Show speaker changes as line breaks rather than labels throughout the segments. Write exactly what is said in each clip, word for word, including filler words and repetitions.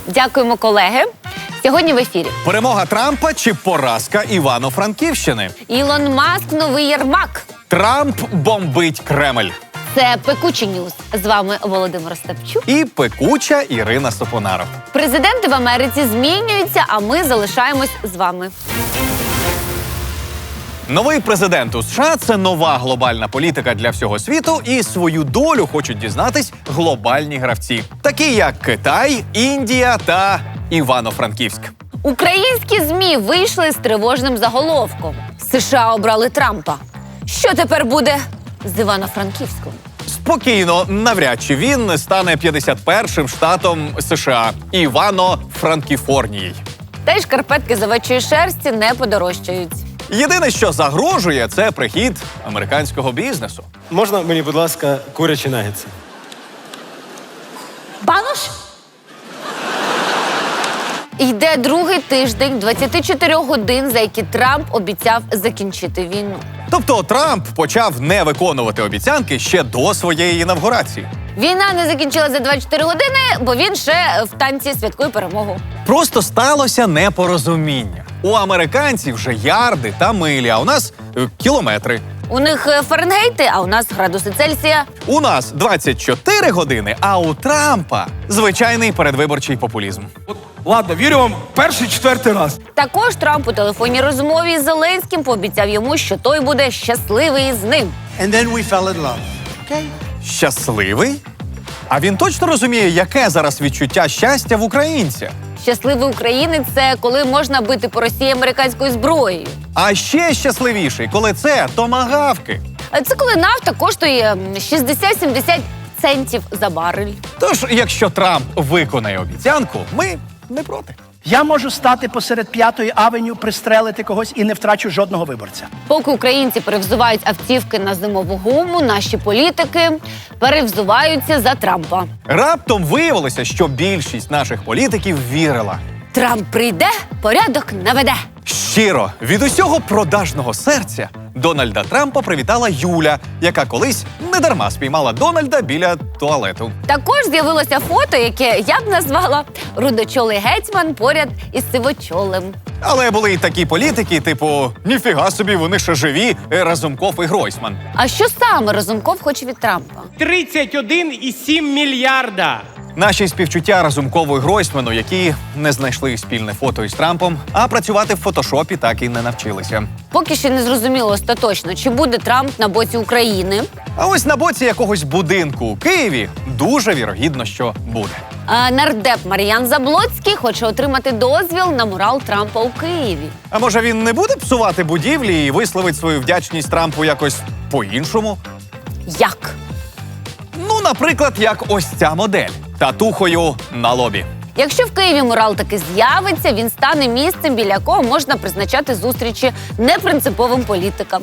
Дякуємо, колеги. Сьогодні в ефірі
Перемога Трампа чи поразка Івано-Франківщини?
Ілон Маск – новий Єрмак.
Трамп бомбить Кремль.
Це Пекучі Ньюс. З вами Володимир Остапчук.
І пекуча Ірина Сопонаров.
Президенти в Америці змінюються, а ми залишаємось з вами.
Новий президент у США – це нова глобальна політика для всього світу, і свою долю хочуть дізнатись глобальні гравці, такі як Китай, Індія та Івано-Франківськ.
Українські ЗМІ вийшли з тривожним заголовком. США обрали Трампа. Що тепер буде з Івано-Франківськом?
Спокійно, навряд чи він стане п'ятдесят першим штатом США – Івано-Франкіфорнією.
Та й шкарпетки з овечої шерсті не подорожчають.
Єдине, що загрожує, це прихід американського бізнесу.
Можна мені, будь ласка, курячі нагетси?
Банош? Йде другий тиждень двадцяти чотирьох годин, за які Трамп обіцяв закінчити війну.
Тобто Трамп почав не виконувати обіцянки ще до своєї інавгурації.
Війна не закінчилася за двадцять чотири години, бо він ще в танці святкує перемогу.
Просто сталося непорозуміння. У американців вже ярди та милі, а у нас е, кілометри.
У них е, Фаренгейти, а у нас градуси Цельсія.
У нас двадцять чотири години, а у Трампа звичайний передвиборчий популізм.
Ладно, вірю вам перший, четвертий раз.
Також Трамп у телефонній розмові з Зеленським пообіцяв йому, що той буде щасливий з ним.
And then we fell in love. Okay?
Щасливий? А він точно розуміє, яке зараз відчуття щастя в українця?
Щасливий українець – це коли можна бити по Росії американською зброєю.
А ще щасливіший, коли це томагавки.
А це коли нафта коштує шістдесят-сімдесят центів за барель.
Тож, якщо Трамп виконає обіцянку, ми не проти.
Я можу стати посеред п'ятої авеню, пристрелити когось і не втрачу жодного виборця.
Поки українці перевзувають автівки на зимову гуму, наші політики перевзуваються за Трампа.
Раптом виявилося, що більшість наших політиків вірила.
Трамп прийде, порядок наведе.
Щиро, від усього продажного серця Дональда Трампа привітала Юля, яка колись недарма спіймала Дональда біля туалету.
Також з'явилося фото, яке я б назвала «Рудочолий гетьман поряд із сивочолим».
Але були й такі політики, типу «Ніфіга собі, вони ще живі, Разумков і Гройсман».
А що саме Разумков хоче від Трампа?
тридцять один і сім мільярда.
Наші співчуття Разумкову і Гройсману, які не знайшли спільне фото із Трампом, а працювати в фотошопі так і не навчилися.
Поки ще не зрозуміло остаточно, чи буде Трамп на боці України.
А ось на боці якогось будинку у Києві дуже вірогідно, що буде.
А нардеп Мар'ян Заблоцький хоче отримати дозвіл на мурал Трампа у Києві.
А може він не буде псувати будівлі і висловить свою вдячність Трампу якось по-іншому?
Як?
Ну, наприклад, як ось ця модель – татухою на лобі.
Якщо в Києві мурал таки з'явиться, він стане місцем, біля якого можна призначати зустрічі непринциповим політикам.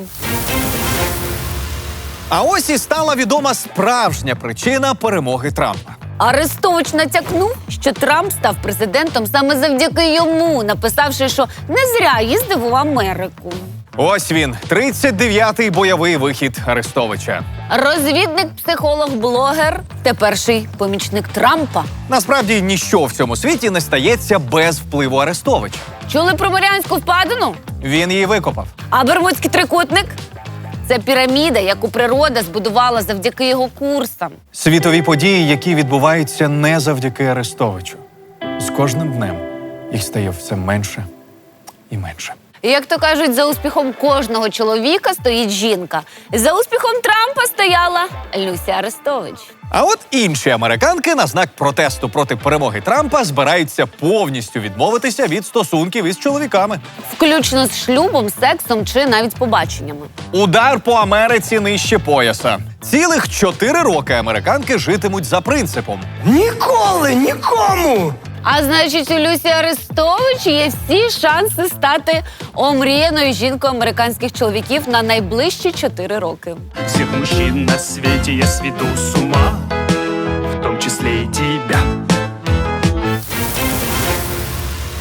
А ось і стала відома справжня причина перемоги Трампа.
Арестович натякнув, що Трамп став президентом саме завдяки йому, написавши, що не зря їздив у Америку.
Ось він, тридцять дев'ятий бойовий вихід Арестовича.
Розвідник, психолог, блогер – теперший помічник Трампа.
Насправді, ніщо в цьому світі не стається без впливу Арестовича.
Чули про Маріанську впадину?
Він її викопав.
А Бермудський трикутник? Це піраміда, яку природа збудувала завдяки його курсам.
Світові події, які відбуваються не завдяки Арестовичу. З кожним днем їх стає все менше і менше.
І, як то кажуть, за успіхом кожного чоловіка стоїть жінка. За успіхом Трампа стояла Люся Арестович.
А от інші американки на знак протесту проти перемоги Трампа збираються повністю відмовитися від стосунків із чоловіками.
Включно з шлюбом, сексом чи навіть побаченнями.
Удар по Америці нижче пояса. Цілих чотири роки американки житимуть за принципом.
Ніколи, нікому!
А значить, у Люсі Арестович є всі шанси стати омріяною жінкою американських чоловіків на найближчі чотири роки.
Всех мужчин на свете я сведу с ума, в том числе и тебя.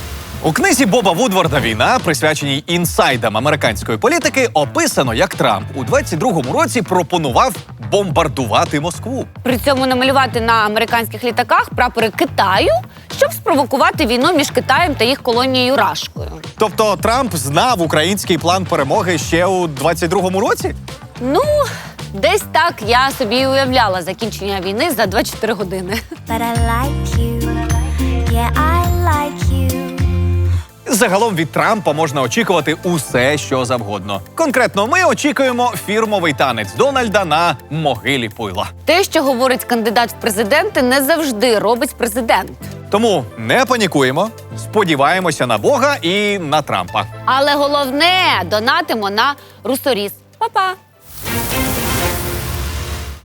У книзі Боба Вудварда «Війна», присвяченій інсайдам американської політики, описано, як Трамп у двадцять другому році пропонував бомбардувати Москву.
При цьому намалювати на американських літаках прапори Китаю, щоб спровокувати війну між Китаєм та їх колонією Рашкою.
Тобто Трамп знав український план перемоги ще у двадцять другому році?
Ну, десь так я собі і уявляла закінчення війни за двадцять чотири години.
But I like you. Yeah, I like you.
Загалом від Трампа можна очікувати усе, що завгодно. Конкретно ми очікуємо фірмовий танець Дональда на могилі Пуйла.
Те, що говорить кандидат в президенти, не завжди робить президент.
Тому не панікуємо, сподіваємося на Бога і на Трампа.
Але головне, донатимо на Русоріс. Па-па!